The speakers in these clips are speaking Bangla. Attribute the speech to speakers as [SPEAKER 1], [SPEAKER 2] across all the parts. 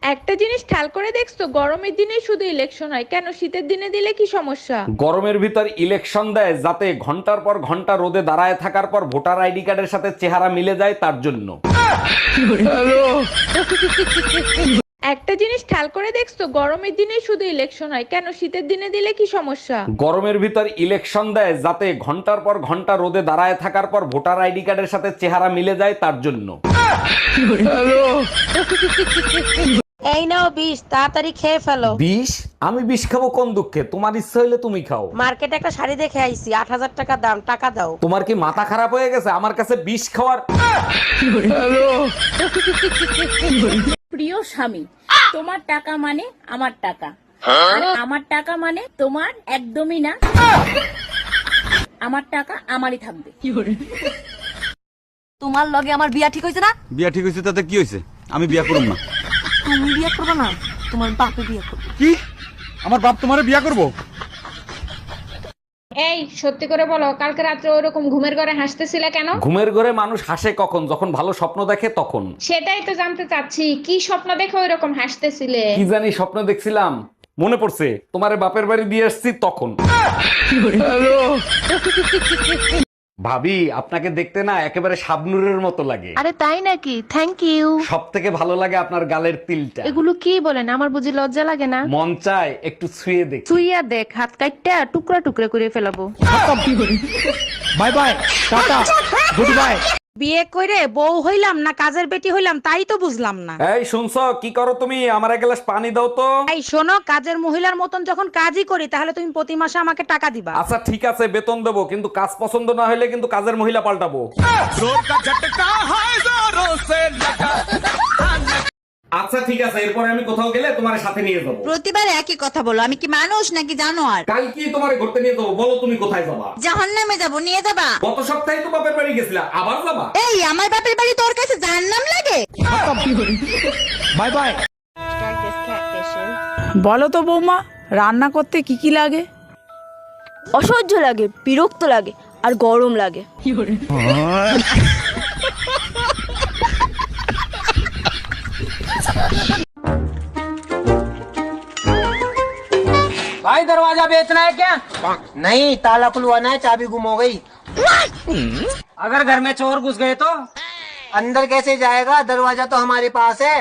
[SPEAKER 1] একটা জিনিস খেয়াল করে দেখছো, গরমের দিনে শুধু ইলেকশন হয় কেন, শীতের দিনে দিলে কি সমস্যা?
[SPEAKER 2] গরমের ভিতর ইলেকশন দেয় যাতে ঘন্টার পর ঘন্টা রোদে দাঁড়ায় থাকার পর ভোটার আইডি কার্ডের সাথে চেহারা মিলে যায় তার জন্য।
[SPEAKER 1] একটা জিনিস খেয়াল করে দেখছো, গরমের দিনে শুধু ইলেকশন হয় কেন, শীতের দিনে দিলে কি সমস্যা?
[SPEAKER 2] গরমের ভিতর ইলেকশন দেয় যাতে ঘন্টার পর ঘন্টা রোদে দাঁড়ায় থাকার পর ভোটার আইডি কার্ডের সাথে চেহারা মিলে যায় তার জন্য।
[SPEAKER 3] এই নাও 20, তাড়াতাড়ি খেয়ে ফেলো।
[SPEAKER 2] বিষ? আমি বিষ খাবো কোন দুঃখে? তোমার ইচ্ছা হইলে তুমি খাও।
[SPEAKER 3] মার্কেটে একটা শাড়ি দেখে আইছি, 8000 টাকা দাম, টাকা দাও।
[SPEAKER 2] তোমার কি মাথা খারাপ হয়ে গেছে আমার কাছে বিষ খাওয়ার?
[SPEAKER 4] প্রিয় স্বামী, তোমার টাকা মানে আমার টাকা, আর আমার টাকা মানে তোমার একদমই না। আমার টাকা আমারই থাকবে।
[SPEAKER 3] তোমার লগে আমার বিয়া ঠিক হইছে না?
[SPEAKER 5] বিয়া ঠিক হয়েছে তাতে কি হয়েছে? আমি বিয়া করব না।
[SPEAKER 3] তুমি বিয়া করবে না, তোমার বাপে বিয়া করবে।
[SPEAKER 5] কি? আমার বাপ তোমারে বিয়া করব?
[SPEAKER 1] এই সত্যি করে বলো, কালকে রাত্রে ওরকম ঘুমের ঘরে হাসতেছিলে কেন?
[SPEAKER 2] ঘুমের ঘরে মানুষ হাসে কখন? যখন ভালো স্বপ্ন দেখে তখন।
[SPEAKER 1] সেটাই তো জানতে চাচ্ছি, কি স্বপ্ন দেখে ওইরকম হাসতেছিলে?
[SPEAKER 2] কি জানি স্বপ্ন দেখছিলাম, মনে পড়ছে তোমারে বাপের বাড়ি দিয়ে আসছি তখন। ভাবি, আপনাকে দেখতে না একেবারে শাবনুরের মতো লাগে।
[SPEAKER 1] আরে তাই নাকি? Thank you.
[SPEAKER 2] সব থেকে ভালো লাগে আপনার গালের তিলটা।
[SPEAKER 1] এগুলো কি বলেন, আমার বুঝি লজ্জা লাগে না?
[SPEAKER 2] মন চায় একটু ছুঁয়ে দেখ।
[SPEAKER 1] তুইয়া দেখ, হাত কাটটা টুকরা টুকরা করে ফেলাবো।
[SPEAKER 5] Bye bye, tata, goodbye.
[SPEAKER 3] বিয়ে কইরে বউ হইলাম না কাজের বেটি হইলাম তাই তো বুঝলাম না।
[SPEAKER 2] এই শুনছো, কি করো তুমি? আমার এক গ্লাস পানি দাও তো।
[SPEAKER 3] এই শোনো, কাজের মহিলার মতন যখন কাজই করি তাহলে তুমি প্রতি মাসে আমাকে টাকা দিবা।
[SPEAKER 2] আচ্ছা ঠিক আছে, বেতন দেবো, কিন্তু কাজ পছন্দ না হলে কিন্তু কাজের মহিলা পাল্টাবো। আচ্ছা ঠিক আছে, এরপরে আমি কোথাও গেলে তোমার সাথে নিয়ে যাবো।
[SPEAKER 6] প্রতিবার একই কথা বলো, আমি কি মানুষ নাকি জানোয়ার?
[SPEAKER 2] কাল কি তোমার ঘুরতে নিয়ে যাবো? বলো তুমি কোথায় যাবা?
[SPEAKER 6] জাহান্নামে যাবো, নিয়ে যাবা?
[SPEAKER 2] গত সপ্তাহে তো বাপের বাড়ি গেছিলা, আবার যাবা?
[SPEAKER 6] এই আমার বাপের বাড়ি তোর কাছে জাহান্নাম লাগে?
[SPEAKER 5] Bye bye.
[SPEAKER 7] বলো তো বৌমা, রান্না করতে কি কি লাগে?
[SPEAKER 8] অসহ্য লাগে, বিরক্ত লাগে, আর গরম লাগে।
[SPEAKER 9] भाई दरवाजा बेचना है क्या? नहीं, ताला खुलवाना है, चाबी गुम हो गई। अगर घर में चोर घुस गए तो अंदर कैसे जाएगा? दरवाजा तो हमारे पास है।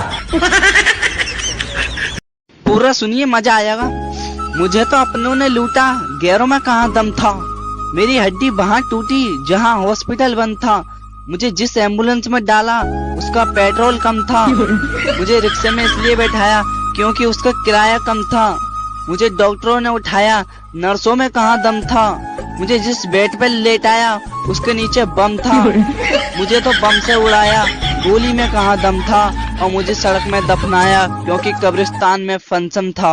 [SPEAKER 10] पूरा सुनिए, मजा आएगा। मुझे तो अपनों ने लूटा, गैरों में कहाँ दम था। मेरी हड्डी वहाँ टूटी जहाँ हॉस्पिटल बंद था। मुझे जिस एम्बुलेंस में डाला उसका पेट्रोल कम था। मुझे रिक्शे में इसलिए बैठाया क्योंकि उसका किराया कम था। मुझे डॉक्टरों ने उठाया, नर्सों में कहाँ दम था। मुझे जिस बेड पर लेटाया उसके नीचे बम था। मुझे तो बम से उड़ाया, गोली में कहाँ दम था। और मुझे सड़क में दफनाया क्योंकि कब्रिस्तान में फंक्शन था।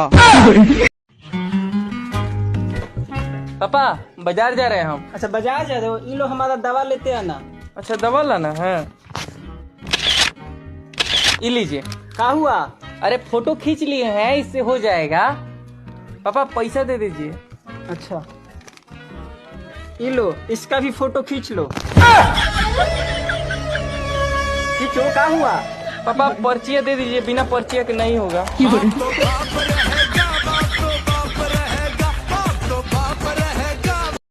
[SPEAKER 9] पापा बाजार जा रहे हैं हम। अच्छा बाजार जा रहे हो? ये लो हमारा दवा लेते आना। अच्छा दवा लाना है, ये लीजिए। क्या हुआ? अरे फोटो खींच लिए हैं, इससे हो जाएगा। पापा पैसा दे दीजिए। अच्छा ये लो, इसका भी फोटो खींच लो। खींचो, क्या हुआ? पापा पर्चियाँ दे दीजिए, बिना पर्चिया के नहीं होगा।